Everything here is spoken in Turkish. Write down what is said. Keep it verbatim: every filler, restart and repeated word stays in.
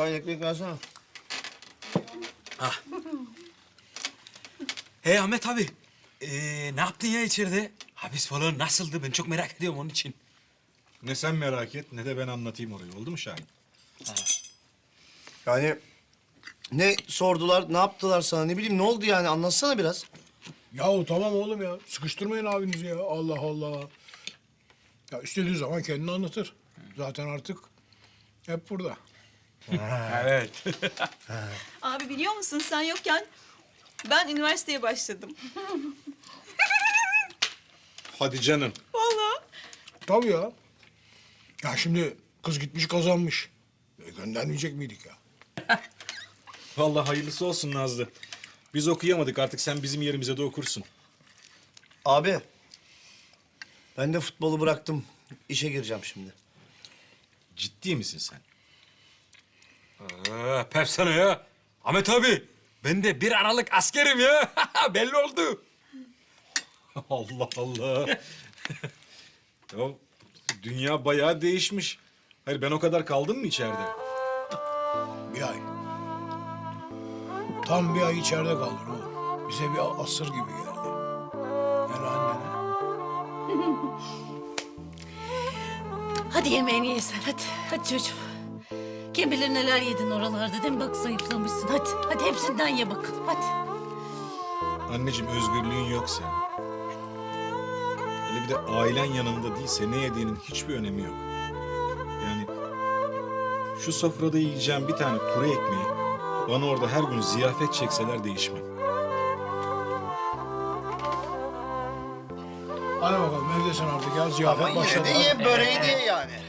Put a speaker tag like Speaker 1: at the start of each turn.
Speaker 1: tane ekmek versene.
Speaker 2: Hey Ahmet abi. Ee, ne yaptın ya içeride? Hapis falan nasıldı? Ben çok merak ediyorum onun için.
Speaker 3: Ne sen merak et ne de ben anlatayım orayı. Oldu mu Şahin?
Speaker 1: Yani ne sordular, ne yaptılar sana, ne bileyim ne oldu yani anlatsana biraz.
Speaker 4: Yahu tamam oğlum ya. Sıkıştırmayın abinizi ya. Allah Allah. Ya istediği zaman kendini anlatır. Zaten artık hep burada.
Speaker 2: Evet.
Speaker 5: Abi biliyor musun sen yokken ben üniversiteye başladım.
Speaker 3: Hadi canım.
Speaker 5: Vallahi.
Speaker 4: Tabii ya. Ya şimdi kız gitmiş kazanmış. E, göndermeyecek miydik ya?
Speaker 3: Vallahi hayırlısı olsun Nazlı. Biz okuyamadık artık sen bizim yerimize de okursun.
Speaker 1: Abi, ben de futbolu bıraktım. İşe gireceğim şimdi.
Speaker 3: Ciddi misin sen?
Speaker 2: Aa, pepsana ya. Ahmet abi. Ben de bir Aralık askerim ya. Belli oldu.
Speaker 3: Allah Allah. Ya dünya bayağı değişmiş. Hayır ben o kadar kaldım mı içeride?
Speaker 4: Bir ay. Tam bir ay içeride kaldın oğlum. Bize bir asır gibi geldi. Yani annene.
Speaker 6: Hadi yemeğini ye sen hadi. Hadi çocuğum. Kim bilir neler yedin oralarda değil mi? Bak zayıflamışsın. Hadi. Hadi hepsinden ye bakalım. Hadi.
Speaker 3: Anneciğim özgürlüğün yok senin. Hele bir de ailen yanında değilse ne yediğinin hiçbir önemi yok. Yani şu sofrada yiyeceğim bir tane kuru ekmeği bana orada her gün ziyafet çekseler değişmem.
Speaker 4: Hadi bakalım evdesin artık ya.
Speaker 1: Ama
Speaker 4: Ziyafet
Speaker 1: yine
Speaker 4: başladı.
Speaker 1: de ye böreği de ye yani.